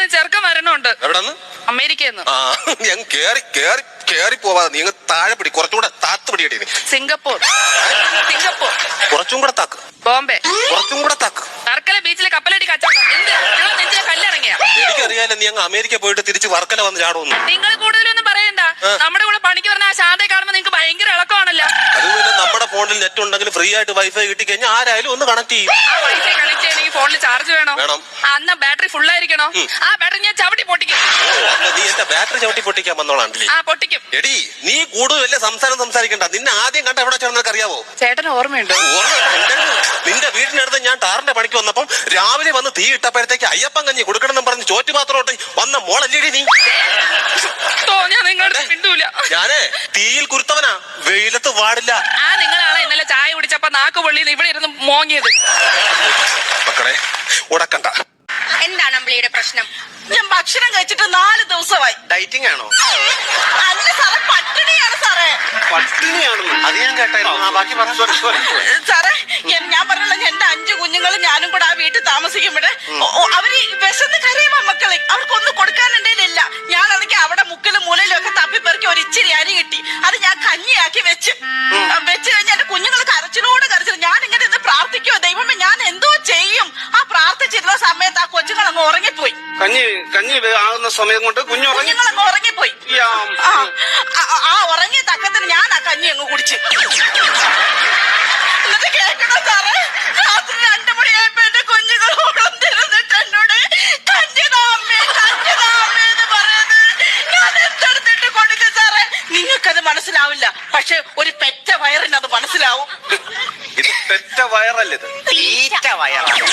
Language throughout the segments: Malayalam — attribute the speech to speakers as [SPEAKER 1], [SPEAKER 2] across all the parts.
[SPEAKER 1] അമേരിക്കയിൽ ചെറുക്കം വരണുണ്ട്.
[SPEAKER 2] എവിടെന്ന്?
[SPEAKER 1] അമേരിക്കയിൽ നിന്ന്.
[SPEAKER 2] ഞാൻ കേറി പോവാതെ നീ താഴെ പിടി, കുറച്ചുകൂടെ താത്ത് പിടിയടി.
[SPEAKER 1] സിംഗപ്പൂർ.
[SPEAKER 2] കുറച്ചും കൂടെ താക്ക്.
[SPEAKER 1] ബോംബെ.
[SPEAKER 2] കുറച്ചും കൂടെ താക്ക്.
[SPEAKER 1] വർക്കല ബീച്ചിലെ കപ്പലടി കച്ചവടം. നെഞ്ചിലെ കല്ലിറങ്ങിയ.
[SPEAKER 2] എനിക്കറിയാലോ നീ അങ്ങ് അമേരിക്ക പോയിട്ട് തിരിച്ച് വർക്കല വന്ന് ചാടുന്നു.
[SPEAKER 1] നിങ്ങൾ കൂടുതലൊന്നും പറയണ്ട. നമ്മുടെ കൂടെ പണിക്ക് പറഞ്ഞ ആ ശാന്തയെ കാണുമ്പോ നിങ്ങൾക്ക് ഭയങ്കര ഇളക്കമാണല്ലോ.
[SPEAKER 2] അതുപോലെ നമ്മുടെ ഫോണിൽ നെറ്റ് ഉണ്ടെങ്കിൽ ഫ്രീ ആയിട്ട് വൈഫൈ കിട്ടി കഴിഞ്ഞാൽ ആരായാലും ഒന്ന് കണക്ട് ചെയ്യും.
[SPEAKER 1] വൈഫൈ കണക്ട് ചെയ്യണമെങ്കിൽ ഫോണിൽ ചാർജ് വേണം. അന്ന ബാറ്ററി ഫുൾ ആയിരിക്കണോ? ആ ബാറ്ററി ഞാൻ ചവിട്ടി പൊട്ടിക്കും.
[SPEAKER 2] നീ എന്റെ ബാറ്ററി ചവിട്ടി പൊട്ടിക്കാൻ വന്നോളാണ്ടല്ലേ?
[SPEAKER 1] ആ പൊട്ടിക്കും.
[SPEAKER 2] എടി നീ കൂടുതൽ വലിയ സംസാരിക്കണ്ട. നിന്നെ ആദ്യം കണ്ട എവിടെ ചേർന്നൊക്കെ അറിയാവോ?
[SPEAKER 1] ചേട്ടന് ഓർമ്മയുണ്ടോ?
[SPEAKER 2] നിന്റെ വീടിനടുത്ത് ഞാൻ ടാറിന്റെ പണിക്ക് വന്നപ്പം രാവിലെ വന്ന് തീ ഇട്ടപ്പോഴത്തേക്ക് അയ്യപ്പൻ കഞ്ഞി കൊടുക്കണമെന്ന് പറഞ്ഞ് ചോറ്റ് പാത്രോട്ട് വന്ന മോളല്ലേടി നീ?
[SPEAKER 1] ഞാൻ നിങ്ങളുടെ മിണ്ടൂല.
[SPEAKER 2] ഞാനേ തീയിൽ കുരുത്തവനാ, വെയിലത്ത് പാടില്ല.
[SPEAKER 1] നിങ്ങളാണ് ഇന്നലെ ചായ കുടിച്ചപ്പോ നാക്ക് പൊള്ളിന്ന് ഇവിടെ ഇരുന്ന് മോങ്ങിയത്.
[SPEAKER 2] മക്കളെ ഉടക്കണ്ട.
[SPEAKER 3] എന്താണ് അമ്പിളിയുടെ പ്രശ്നം?
[SPEAKER 1] ഞാൻ ഭക്ഷണം കഴിച്ചിട്ട് 4 ദിവസമായി.
[SPEAKER 2] ഡയറ്റിംഗ് ആണോ?
[SPEAKER 1] അല്ല സാറേ, പട്ടിണിയാണ് സാറേ.
[SPEAKER 2] പട്ടിണിയാണെന്ന് അത് ഞാൻ കേട്ടായിരുന്നു. ബാക്കി
[SPEAKER 1] സാറേ, ഞാൻ പറഞ്ഞല്ലോ, എന്റെ 5 കുഞ്ഞുങ്ങളും ഞാനും കൂടെ ആ വീട്ടിൽ താമസിക്കുമ്പോഴേ അവര് വിശന്ന് കരയുമ്പോ മക്കളെ അവർക്കൊന്നും കൊടുക്കാനുണ്ടേലില്ല. ഞാനാണെങ്കിൽ അവിടെ മുക്കിലും മൂലയിലും ഒക്കെ തപ്പിപ്പെറുക്കി ഒരു ഇച്ചിരി അരി കിട്ടി. അത് ഞാൻ കഞ്ഞിയാക്കി വെച്ച് കഴിഞ്ഞ് എന്റെ കുഞ്ഞുങ്ങൾ കരച്ചിലോട് കരച്ചിൽ. ഞാൻ ഇങ്ങനെ ഇന്ന് പ്രാർത്ഥിക്കുവോ, ദൈവമേ ഞാൻ എന്തോ ചെയ്യും. ആ പ്രാർത്ഥിച്ചിരുന്ന സമയത്ത് ആ കൊച്ചുങ്ങൾ അങ്ങ് ഉറങ്ങിപ്പോയി.
[SPEAKER 2] കഞ്ഞി ആകുന്ന സമയം കൊണ്ട്
[SPEAKER 1] കുഞ്ഞുങ്ങളങ്ങ് ഉറങ്ങിപ്പോയി. ആ ഉറങ്ങിയ തക്കത്തിന് ഞാൻ ആ കഞ്ഞി അങ്ങ് കുടിച്ച്. എന്നിട്ട് കേൾക്കണോ സാറേ, രാത്രി 2 മണിയായപ്പോ എന്റെ കുഞ്ഞുങ്ങൾ ഉണർന്നിരുന്നിട്ട് എന്നോട് കഞ്ഞിതാമ്മേ എന്ന് പറയുന്നത് ഞാൻ എന്തെടുത്തിട്ട് കൊടുക്കും സാറേ. നിങ്ങൾക്കത് മനസ്സിലാവില്ല, പക്ഷെ ഒരു പെറ്റ വയറിന് അത് മനസ്സിലാവും.
[SPEAKER 2] ഇത് പെറ്റ വയറല്ല, ഇത് തീറ്റ വയറാണ്.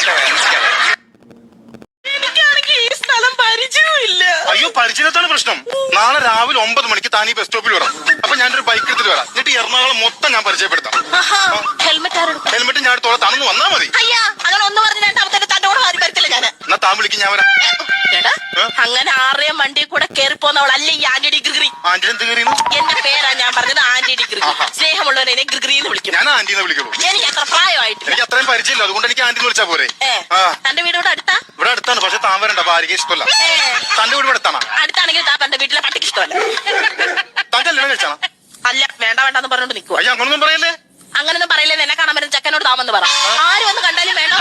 [SPEAKER 1] ഈ സ്ഥലം പരിചയമില്ല.
[SPEAKER 4] അയ്യോ, പരിചയത്താണ് പ്രശ്നം. നാളെ രാവിലെ 9 മണിക്ക് താനീ ബസ് സ്റ്റോപ്പിൽ വരാം. അപ്പൊ ഞാനൊരു ബൈക്ക് എടുത്തിട്ട് വരാം. എന്നിട്ട് എറണാകുളം മൊത്തം ഞാൻ പരിചയപ്പെടുത്താം. ഹെൽമെറ്റ് ഞാൻ എടുത്തോളാം, താനൊന്ന് വന്നാ മതി.
[SPEAKER 1] അങ്ങനെ ഒന്ന് പറഞ്ഞ തന്നോട് ആരും വരത്തില്ല ഞാൻ.
[SPEAKER 4] എന്നാ താൻ വിളിക്കും, ഞാൻ വരാം.
[SPEAKER 1] അങ്ങനെ 6 വണ്ടി കൂടെ കേറി പോന്നവളല്ലേ ഈ ആന്റി ഡിഗ്രി.
[SPEAKER 4] ആന്റി എന്ത് കയറിയെന്ന്?
[SPEAKER 1] എന്റെ പേരാ ഞാൻ പറഞ്ഞത്, ആന്റി ഡിഗ്രി. സ്നേഹമുള്ളവനെ ഡിഗ്രി എന്ന് വിളിക്കും.
[SPEAKER 4] ഞാൻ ആന്റിന്ന് വിളിക്കുള്ളൂ.
[SPEAKER 1] എനിക്ക് അത്ര പ്രായമായിട്ട്
[SPEAKER 4] എനിക്ക് അത്രയും പരിചയമില്ല, അതുകൊണ്ട് എനിക്ക് ആന്റി വിളിച്ചാ പോരെ.
[SPEAKER 1] തന്റെ വീട് ഇവിടെ അടുത്താ?
[SPEAKER 4] ഇവിടെ അടുത്താണ്, പക്ഷെ താൻ വരണ്ട, ഭാര്യക്ക് ഇഷ്ടമല്ല. തന്റെ വീട് ഇവിടെ അടുത്താണ്?
[SPEAKER 1] അടുത്താണെങ്കിൽ തന്റെ വീട്ടിലെ പട്ടിക്ക് ഇഷ്ടമല്ല.
[SPEAKER 4] താൻ കല്യാണം കഴിച്ചാണ്?
[SPEAKER 1] അല്ല, വേണ്ടെന്ന് പറഞ്ഞോണ്ട് നിൽക്കുക.
[SPEAKER 4] അയ്യോ, അങ്ങനൊന്നും പറയല്ലേ.
[SPEAKER 1] അങ്ങനൊന്നും പറയില്ലേ. എന്നെ കാണാൻ വരുന്ന ചെക്കനോട് താമെന്ന് പറ. ആരും ഒന്ന് കണ്ടാലും വേണ്ട.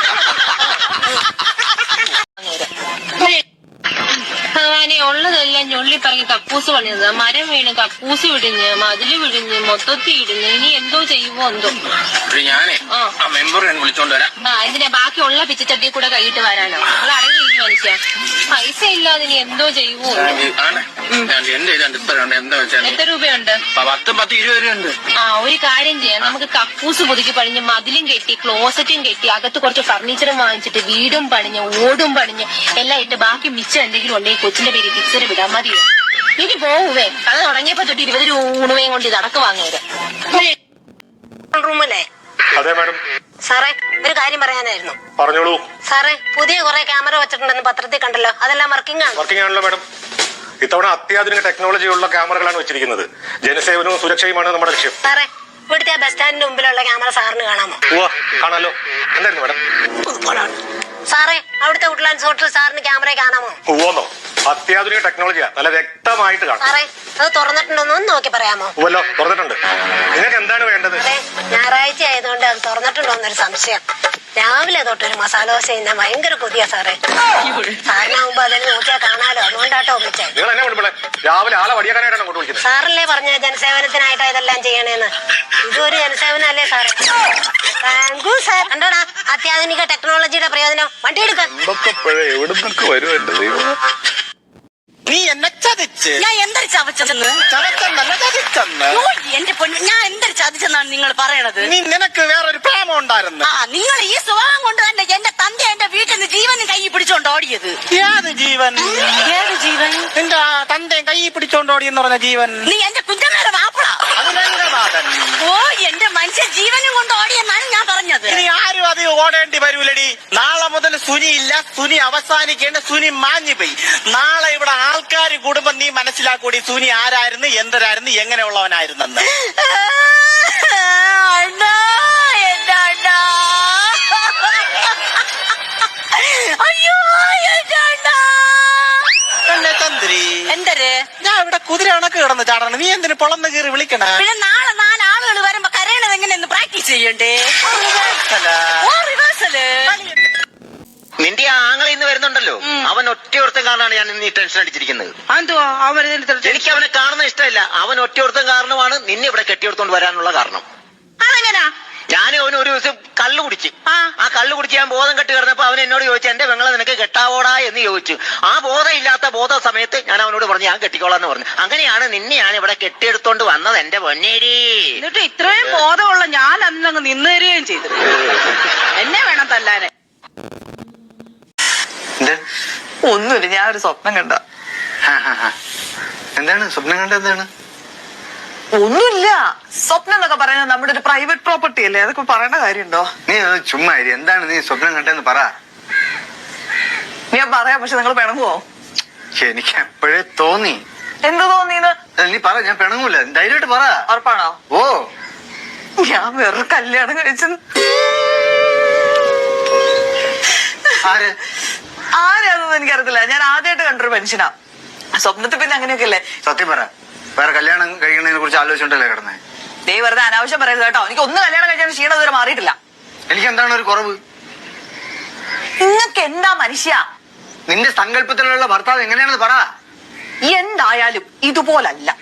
[SPEAKER 5] ഭഗവാനെ, ഉള്ളതെല്ലാം ഞൊള്ളി പറഞ്ഞ് കക്കൂസ് പണിയത്. മരം വീണ് കക്കൂസ് വിടിഞ്ഞ് മതില് വിടിഞ്ഞ് മൊത്തത്തിൽ ഇടിഞ്ഞ്. ഇനി എന്തോ ചെയ്യുമോ എന്തോ.
[SPEAKER 6] ഞാനേ ആ മെമ്പർ വിളിച്ചോണ്ട് വരാം.
[SPEAKER 5] ഇതിന്റെ ബാക്കിയുള്ള പിച്ചച്ചട്ടി കൂടെ കൈയിട്ട് വരാനോ? നിങ്ങൾ അടങ്ങിയിരിക്കും മനുഷ്യ. പൈസ ഇല്ലാതെ ഇനി എന്തോ ചെയ്യുമോ.
[SPEAKER 6] എന്റെ എന്താ വെച്ചാൽ
[SPEAKER 5] എത്ര രൂപയുണ്ട്?
[SPEAKER 6] 10, 20 രൂപയുണ്ട്.
[SPEAKER 5] ഒരു കാര്യം ചെയ്യാം, നമുക്ക് കക്കൂസ് പുതുക്കി പണിഞ്ഞ് മതിലും കെട്ടി ക്ലോസറ്റും കെട്ടി അകത്ത് കുറച്ച് ഫർണിച്ചറും വാങ്ങിച്ചിട്ട് വീടും പണിഞ്ഞ് ഓടും പണിഞ്ഞ് എല്ലാം ഇട്ട് ബാക്കി മിച്ചം എന്തെങ്കിലും ഉണ്ടെങ്കിൽ കൊച്ചിന്റെ പേര് ഫിക്സർ വിടാൻ മതിയോ? ഇനി പോവേ, കഥ തുടങ്ങിയപ്പോ തൊട്ട് 20 രൂപ ഊണുവേം കൊണ്ട് ഇതടക്ക് വാങ്ങിയത്.
[SPEAKER 3] റൂമല്ലേ?
[SPEAKER 4] അതെ മാഡം.
[SPEAKER 3] സാറേ, ഒരു കാര്യം പറയാനായിരുന്നു.
[SPEAKER 4] പറഞ്ഞോളൂ.
[SPEAKER 3] സാറേ, പുതിയ കുറെ ക്യാമറ വെച്ചിട്ടുണ്ടെന്ന് പത്രത്തിൽ കണ്ടല്ലോ, അതെല്ലാം വർക്കിംഗ്
[SPEAKER 4] ആണല്ലോ മാഡം. ഇത്തവണ അത്യാധുനിക ടെക്നോളജിയുള്ള ക്യാമറകളാണ് വെച്ചിരിക്കുന്നത്. ജനസേവനവും സുരക്ഷയുമാണ് നമ്മുടെ ലക്ഷ്യം.
[SPEAKER 3] സാറേ, ഇവിടുത്തെ ബസ് സ്റ്റാൻഡിന്റെ മുമ്പിലുള്ള ക്യാമറ സാറിന് കാണാമോ?
[SPEAKER 4] കാണാലോ. എന്തായിരുന്നു മാഡം?
[SPEAKER 3] സാറേ, അവിടുത്തെ വുഡ്ലാൻഡ്സ് ഹോട്ടൽ സാറിന് ക്യാമറ കാണാമോ?
[SPEAKER 4] പോന്നോ? അത്യാധുനിക ടെക്നോളജിയാ, നല്ല വ്യക്തമായിട്ട് കാണാം.
[SPEAKER 3] സാറേ, അത് തുറന്നിട്ടുണ്ടോന്ന് നോക്കി പറയാമോ?
[SPEAKER 4] തുറന്നിട്ടുണ്ട്. നിങ്ങൾക്ക് എന്താണ് വേണ്ടത്?
[SPEAKER 3] അതെ, ഞായറാഴ്ച ആയതുകൊണ്ട് അത് തുറന്നിട്ടുണ്ടോന്നൊരു സംശയം. രാവിലെ തൊട്ടൊരു മസാല ദോശ ഇന്ന ഭയങ്കര കൊതിയാ സാറേ. സാറിനാവുമ്പോ അതിൽ നോക്കിയാൽ കാണാലോ, അതുകൊണ്ടാട്ടോ വിളിച്ചത്.
[SPEAKER 4] നിങ്ങൾ എന്നെ വിളിപ്പളെ രാവിലെ ആളെ വടിയാക്കാനായിട്ടാണ് അങ്ങോട്ട് വിളിക്കുന്നത്.
[SPEAKER 3] സാറല്ലേ പറഞ്ഞ ജനസേവനത്തിനായിട്ടാ ഇതെല്ലാം ചെയ്യണേന്ന്. ഇതൊരു ജനസേവനല്ലേ സാറേ? Thank you sir. കണ്ടോടാ അത്യാധുനിക ടെക്നോളജിയുടെ പ്രയോജനം. വണ്ടി എടുക്കാം.
[SPEAKER 4] എവിടുന്നൊക്കെ വരും എന്റെ ദൈവം.
[SPEAKER 1] നീ എന്നെ ചതിച്ച്. ഞാൻ എന്തൊരു ചവച്ചെന്ന്? എന്റെ പൊന്നു, ഞാൻ എന്തൊരു ചതിച്ചെന്നാണ് നിങ്ങൾ പറയണത്?
[SPEAKER 6] നിനക്ക് വേറൊരു പ്രേമം ഉണ്ടായിരുന്നു.
[SPEAKER 1] നിങ്ങൾ ഈ സ്വഭാവം കൊണ്ട് തന്നെ എന്റെ തന്റെ എന്റെ വീട്ടിൽ നിന്ന് ജീവനും കൈ പിടിച്ചോണ്ട് ഓടിയത്.
[SPEAKER 6] ഏത് ജീവൻ?
[SPEAKER 1] ഏത് ജീവൻ?
[SPEAKER 6] നിന്റെ തന്റെയും കൈ പിടിച്ചോണ്ട് ഓടിയെന്ന് പറഞ്ഞ ജീവൻ.
[SPEAKER 1] നീ എന്റെ കുഞ്ഞമ്മയുടെ മാപ്പിള. ഓ, എന്റെ മനുഷ്യ ജീവനും കൊണ്ട് ഓടിയെന്നാണ് ഞാൻ പറഞ്ഞത്.
[SPEAKER 6] ഇനി ആരും അത് ഓടേണ്ടി വരൂലടി. നാളെ മുതൽ സുനി ഇല്ല, സുനി അവസാനിക്കേണ്ട, സുനി മാഞ്ഞു പോയി. നാളെ ഇവിടെ ആൾക്കാർ കൂടുമ്പോ നീ മനസ്സിലാക്കൂടി സുനി ആരായിരുന്നു, എന്തരായിരുന്നു, എങ്ങനെയുള്ളവനായിരുന്നെന്ന്.
[SPEAKER 1] അണ്ണാ, എന്റെ അണ്ണാ. അയ്യോ, എന്റെ അണ്ണാ. എന്തര്
[SPEAKER 6] ഞാൻ ഇവിടെ കുതിര കണക്ക് കിടന്ന് ചാടണം. നീ എന്തിനു പൊളന്ന് കീറി വിളിക്കണ?
[SPEAKER 1] പിന്നെ നാളെ 4 ആളുകൾ വരുമ്പോ കരയണത് എങ്ങനെയെന്ന് പ്രാക്ടീസ് ചെയ്യണ്ടേ? ഓ റിവേഴ്സല്.
[SPEAKER 7] നിന്റെ ആ ആങ്ങളെ ഇന്ന് വരുന്നുണ്ടല്ലോ, അവൻ ഒറ്റയൊരുത്തം കാരണമാണ് ഞാൻ ഇന്ന് ഈ ടെൻഷൻ അടിച്ചിരിക്കുന്നത്.
[SPEAKER 1] എന്തുവാ അവര്
[SPEAKER 7] എനിക്ക് അവനെ കാണുന്ന ഇഷ്ടമില്ല. അവൻ ഒറ്റയൊരുത്തം കാരണമാണ് നിന്നെ ഇവിടെ കെട്ടിയെടുത്തോണ്ട് വരാനുള്ള കാരണം.
[SPEAKER 1] അതെങ്ങനാ?
[SPEAKER 7] ഞാൻ അവന് ഒരു ദിവസം കള്ളു കുടിച്ച് ആ കള്ളു കുടിച്ച് ഞാൻ ബോധം കെട്ടി കിടന്നപ്പോ അവൻ എന്നോട് ചോദിച്ചു, എന്റെ പെങ്ങളെ നിനക്ക് കെട്ടാവോടാ എന്ന് ചോദിച്ചു. ആ ബോധമില്ലാത്ത ബോധ സമയത്ത് ഞാൻ അവനോട് പറഞ്ഞു ഞാൻ കെട്ടിക്കോളാന്ന് പറഞ്ഞു. അങ്ങനെയാണ് നിന്നെ ഞാൻ ഇവിടെ കെട്ടിയെടുത്തോണ്ട് വന്നത് എന്റെ പൊന്നേരി.
[SPEAKER 1] എന്നിട്ട് ഇത്രയും ബോധമുള്ള ഞാൻ അന്നങ്ങ് നിന്ന് തരികയും ചെയ്തു. എന്നെ വേണം തല്ലാനെ.
[SPEAKER 8] ഒന്നുമില്ല, ഞാൻ ഒരു സ്വപ്നം കണ്ട.
[SPEAKER 4] എന്താണ് സ്വപ്നം കണ്ട? എന്താണ്?
[SPEAKER 8] ഒന്നുമില്ല, സ്വപ്നം എന്നൊക്കെ പറയുന്നത് നമ്മുടെ ഒരു പ്രൈവറ്റ് പ്രോപ്പർട്ടി അല്ലേ, അതൊക്കെ പറയേണ്ട കാര്യമുണ്ടോ?
[SPEAKER 4] നീ ചുമ്മാ ഇരി. എന്താണ് നീ സ്വപ്നം കണ്ടെന്ന് പറ.
[SPEAKER 8] ഞാൻ പറയാം, പക്ഷെ നിങ്ങൾ പിണങ്ങുവോ?
[SPEAKER 4] എനിക്ക് എപ്പോഴേ തോന്നി.
[SPEAKER 8] എന്ത് തോന്നിന്ന്?
[SPEAKER 4] നീ പറ, ഞാൻ പിണങ്ങൂല. ധൈര്യമായിട്ട് പറ.
[SPEAKER 8] ഉറപ്പാണോ?
[SPEAKER 4] ഓ,
[SPEAKER 8] ഞാൻ വേറെ കല്യാണം കഴിച്ചു.
[SPEAKER 4] ആര്?
[SPEAKER 8] ആരാണെന്ന് എനിക്കറിയത്തില്ല. ഞാൻ ആദ്യമായിട്ട് കണ്ടൊരു മനുഷ്യനാ. സ്വപ്നത്തിൽ പിന്നെ അങ്ങനെയൊക്കെ അല്ലേ.
[SPEAKER 4] സത്യം പറ, വേറെ കല്യാണം കഴിക്കുന്നതിനെ കുറിച്ച് ആലോചിച്ചോണ്ടല്ലേ കിടന്നേ?
[SPEAKER 8] ദേ വെറുതെ അനാവശ്യം പറയരുത് കേട്ടോ. എനിക്ക് ഒന്ന് കല്യാണം കഴിച്ചാൽ ക്ഷീണം ഇതുവരെ മാറിയിട്ടില്ല.
[SPEAKER 4] എനിക്ക് എന്താണ് ഒരു കുറവ്?
[SPEAKER 8] നിങ്ങൾക്ക് എന്താ മനുഷ്യ?
[SPEAKER 4] നിന്റെ സങ്കല്പത്തിലുള്ള ഭർത്താവ് എങ്ങനെയാണെന്ന് പറ.
[SPEAKER 8] എന്തായാലും ഇതുപോലല്ല.